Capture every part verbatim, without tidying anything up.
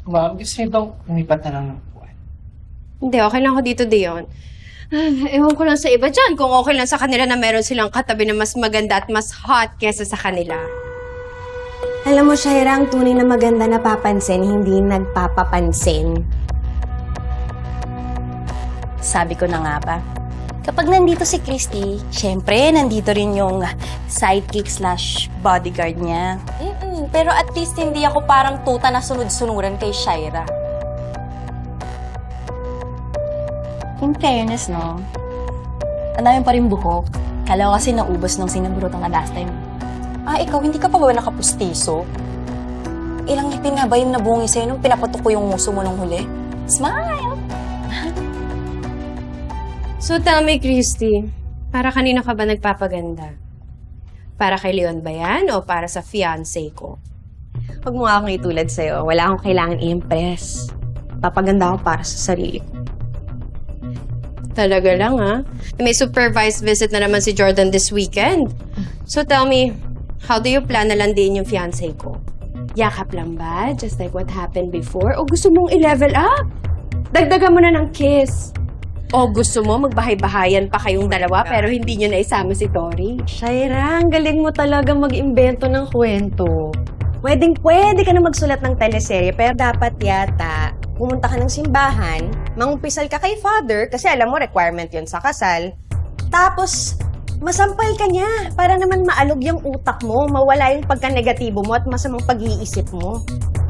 Ma'am, gusto niyo bang umipat na lang ng buwan? Hindi, okay lang ako dito, Dion. Ah, ewan ko lang sa iba dyan kung okay lang sa kanila na meron silang katabi na mas maganda at mas hot kesa sa kanila. Alam mo, Shaira, ang tunay na maganda na papansin, hindi nagpapapansin. Sabi ko na nga ba, kapag nandito si Christy, syempre, nandito rin yung sidekick slash bodyguard niya. Mm-mm, pero at least hindi ako parang tuta na sunod-sunuran kay Shaira. In fairness, no? Ang dami pa rin buhok. Kala ko kasi naubos nung sinaburutan ka last time. Ah, ikaw, hindi ka pa ba nakapustiso? Ilang ngipin nga ba yung nabungi sa'yo nung pinapatok ko yung muso mo nung huli? Smile! So tell me, Christy, para kanina ka ba nagpapaganda? Para kay Leon ba yan o para sa fiancé ko? Huwag mo nga akong itulad sa'yo. Wala akong kailangan i-impress. Papaganda ako para sa sarili ko. Talaga lang, ha? May supervised visit na naman si Jordan this weekend. So tell me, how do you plan na landiin yung fiancé ko? Yakap lang ba? Just like what happened before? O gusto mong i-level up? Dagdagan mo na ng kiss. O gusto mo magbahay-bahayan pa kayong dalawa pero hindi nyo na isama si Tori? Shaira, ang galing mo talaga mag-imbento ng kwento. Pwedeng pwede ka na magsulat ng teleserye, pero dapat yata pumunta ka ng simbahan, mangumpisal ka kay father, kasi alam mo, requirement yun sa kasal. Tapos, masampal ka niya para naman maalog yung utak mo, mawala yung pagka-negatibo mo at masamang pag-iisip mo.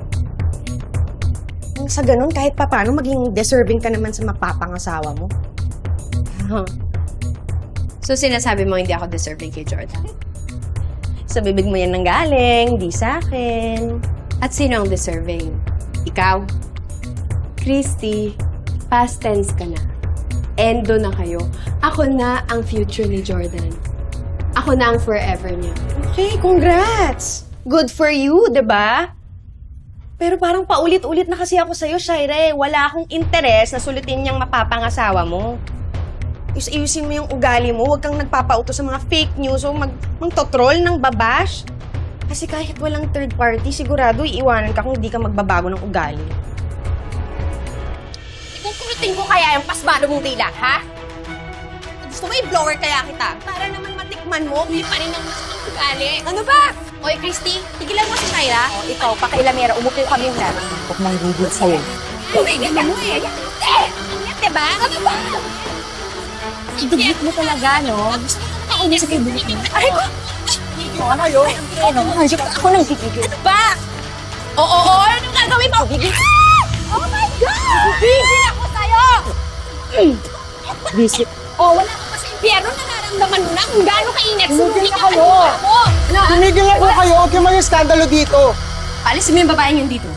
Nang sa ganun, kahit papano, maging deserving ka naman sa mapapangasawa mo. Huh. So sinasabi mo hindi ako deserving kay Jordan? Sa bibig mo yan nang galing, di sa akin. At sino ang deserving? Ikaw? Christy, past tense ka na. Endo na kayo. Ako na ang future ni Jordan. Ako na ang forever niya. Okay, congrats! Good for you, di ba? Pero parang paulit-ulit na kasi ako sa'yo, Shaira. Wala akong interes na sulutin niyang mapapangasawa mo. Ayus-ayusin mo yung ugali mo. Huwag kang nagpapauto sa mga fake news o mag magtotroll ng babash. Kasi kahit walang third party, sigurado iiwanan ka kung hindi ka magbabago ng ugali. Kukurutin ko kaya yung pasmado mong dila, ha? Gusto mo i-blower kaya kita? Para naman matikman mo, Hindi pa rin ang masamang ugali. ano ba? Oy, Christy, tigilan mo si Shaira. O, ikaw, pakailamera, umupo kami yung namin. Huwag nang gugod sa'yo. Tumigil ka mo eh. Eh! Ingat, diba? Ano ba? Dugit mo talaga, no? Gusto mo makauna sa kaibigan mo. Ay, ko! Ano kayo? Ano? Ako nang gigigil. Ano ba? Oo, oo, oo. Anong gagawin mo? Ah! Oh my God! Bigil ako sa'yo! Visit. Oh, wala ka pa sa impyerno. Nararamdaman mo na kung gaano kainit. Tumigil na ka kayo! mo. Ano? Tumigil na po kayo! Huwag kayo may skandalo dito! Paalisin mo yung babaeng yun dito.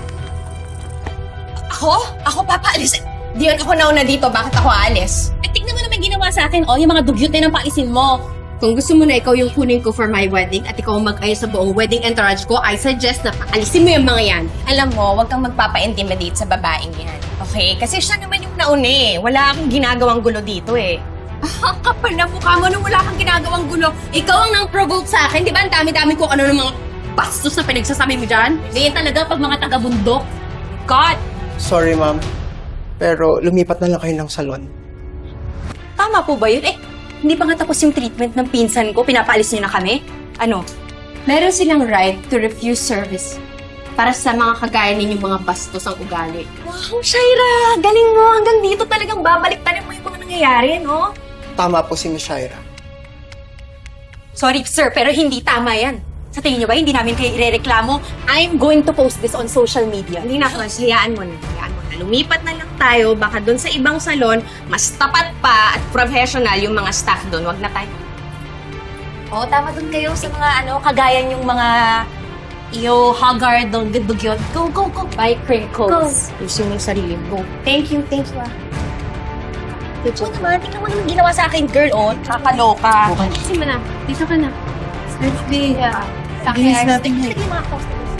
Ako? Ako papaalis. Diyon ako nauna dito. Bakit ako aalis? Eh, tignan mo naman ginawa sa akin, oh, yung mga dugyot na ng paalisin mo. Kung gusto mo na ikaw yung kunin ko for my wedding at ikaw ang mag-ayos sa buong wedding entourage ko, I suggest na paalisin mo yung mga yan. Alam mo, huwag kang magpapa-intimidate sa babaeng yan. Okay? Kasi siya naman yung nauna eh. Wala akong ginagawang gulo dito eh. Ah, kapal na mukha mo nung wala kang ginagawang gulo. Ikaw ang nang-provoke sa akin. Di ba ang dami-dami ko ano ng mga bastos na pinagsasabi mo dyan? Ganyan talaga pag mga taga-bundok. God! Sorry, ma'am. Pero lumipat na lang kayo ng salon. Tama po ba yun? Eh, hindi pa nga tapos yung treatment ng pinsan ko. Pinapaalis niyo na kami? Ano? Meron silang right to refuse service para sa mga kagaya ninyong mga bastos ang ugali. Wow, Shaira! Galing mo! Hanggang dito talagang babalik-tanin mo yung mga nangyayari, no? Tama po si Miss Shaira. Sorry, sir, pero hindi tama yan. Sa tingin niyo ba, hindi namin kayo irereklamo? I'm going to post this on social media. Hindi na, Cos. Hayaan mo na. Hayaan mo na. Lumipat na lang tayo. Baka doon sa ibang salon, mas tapat pa at professional yung mga staff doon. Wag na tayo. Oo, tama dun kayo sa mga ano, kagaya yung mga iyo, haggard, dugyot. Go, go, go. Bye, crinkles. Gusto mo yung sarili mo. Thank you, thank you ah. Good job naman. Tingnan mo naman ginawa sa akin, girl, oh. Kakaloka. Kasi mo na. Dito ka na. Let's be. Yeah. Bilis natin. Tingnan mo yung mga customers.